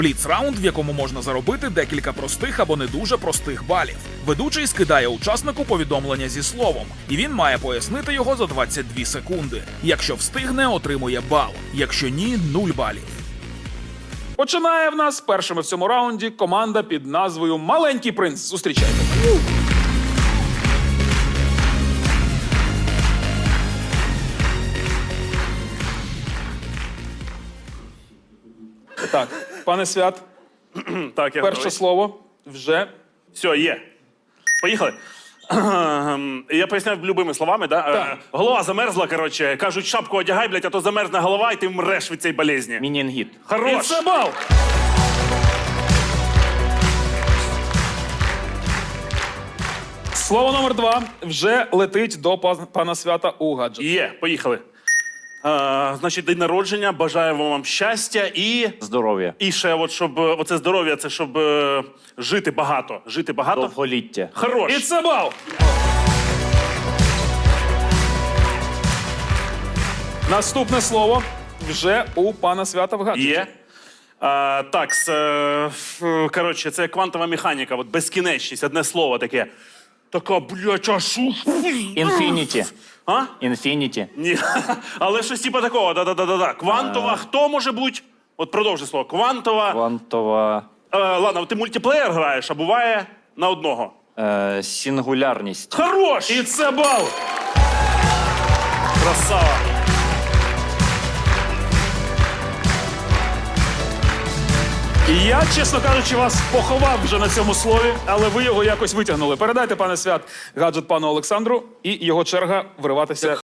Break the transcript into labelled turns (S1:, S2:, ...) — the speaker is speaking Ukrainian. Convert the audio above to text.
S1: Бліц-раунд, в якому можна заробити декілька простих або не дуже простих балів. Ведучий скидає учаснику повідомлення зі словом, і він має пояснити його за 22 секунди. Якщо встигне, отримує бал. Якщо ні, 0 балів. Починає в нас першими в цьому раунді команда під назвою «Маленький принц». Зустрічайте. Так, пане Свят,
S2: Так, я
S1: перше
S2: готовий.
S1: слово вже.
S2: Все, є. Поїхали. Я поясняв любими словами, да?
S1: Так.
S2: Голова замерзла, коротше. Кажуть, шапку одягай, блядь, а то замерзне голова, і ти вмреш від цієї болезні.
S3: Мінінгіт.
S1: І
S2: Хорош!
S1: це бал! Слово номер 2 вже летить до пана Свята у гаджет.
S2: Є, поїхали. Значить, день народження, бажаю вам щастя і...
S3: Здоров'я.
S2: І ще, от, щоб... Оце здоров'я, це щоб жити багато. Жити багато.
S3: Довголіття.
S2: Хорош!
S1: І це бал! Наступне слово вже у пана Свята в гаджеті.
S2: Є. Так, коротше, це квантова механіка, от безкінечність, одне слово таке. Така, блядь, а що?
S3: Інфініті.
S2: А?
S3: Інфініті.
S2: Ні. Але щось типу такого, да-да-да-да. Квантова, хто може бути? От продовжуй слово. Квантова.
S3: Квантова.
S2: Ладно, ти мультиплеєр граєш, а буває на одного.
S3: Сингулярність.
S2: Хорош!
S1: І це бал!
S2: Красава.
S1: І я, чесно кажучи, вас поховав вже на цьому слові, але ви його якось витягнули. Передайте, пане Свят, гаджет пану Олександру, і його черга вириватися